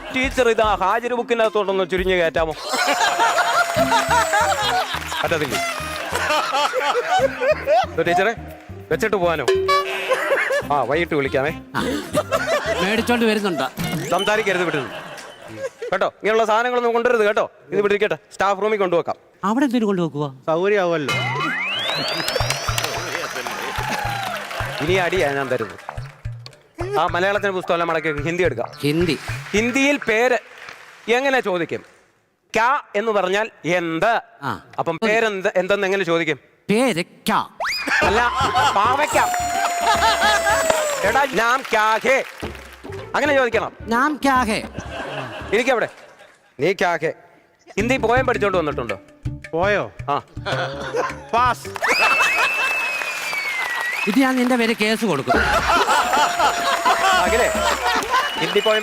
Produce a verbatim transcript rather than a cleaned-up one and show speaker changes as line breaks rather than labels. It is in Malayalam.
ടീച്ചർ ഇതാ ഹാജർ ബുക്കിനകത്തോട്ടൊന്ന് ചുരുങ്ങി കയറ്റാമോ? പറ്റത്തില്ല. ടീച്ചറെ വെച്ചിട്ട് പോവാനോ? ആ വൈകിട്ട് വിളിക്കാമേ.
മേടിച്ചോണ്ട് വരുന്നുണ്ട്.
സംസാരിക്കരുത് വിട്ടത് കേട്ടോ. ഇങ്ങനെയുള്ള സാധനങ്ങളൊന്നും കൊണ്ടുവരുത് കേട്ടോ. ഇത് വിട്ടിരിക്കട്ടെ, സ്റ്റാഫ് റൂമിൽ കൊണ്ടുവെക്കാം.
അവിടെ എന്തിനു കൊണ്ടുവെക്കുക?
സൗകര്യമാവുമല്ലോ. ഇനി അടിയാ ഞാൻ തരുന്നത്. ആ മലയാളത്തിന് പുസ്തകം മടക്കി ഹിന്ദി എടുക്കാം.
ഹിന്ദി.
ഹിന്ദിയിൽ പേര് എങ്ങനെ ചോദിക്കും? ക്യാ എന്ന് പറഞ്ഞാൽ എന്ത്. അപ്പം പേരെന്ത് എന്തെന്ന് എങ്ങനെ ചോദിക്കും?
പേര് ക്യാ
അല്ല, പാവയ്ക്കാം. എടാ നാം ക്യാ ഹേ അങ്ങനെ ചോദിക്കണം.
നാം ക്യാ ഹേ.
ഇരിക്കവിടെ. നീ ക്യാ ഹേ ഹിന്ദി പോയം പഠിച്ചോണ്ട് വന്നിട്ടുണ്ടോ?
പോയോ?
ആ
പാസ്.
ഇത് ഞാൻ നിന്റെ പേര് കേസ് കൊടുക്കും.
അഖിലേ ഹിന്ദി പോയം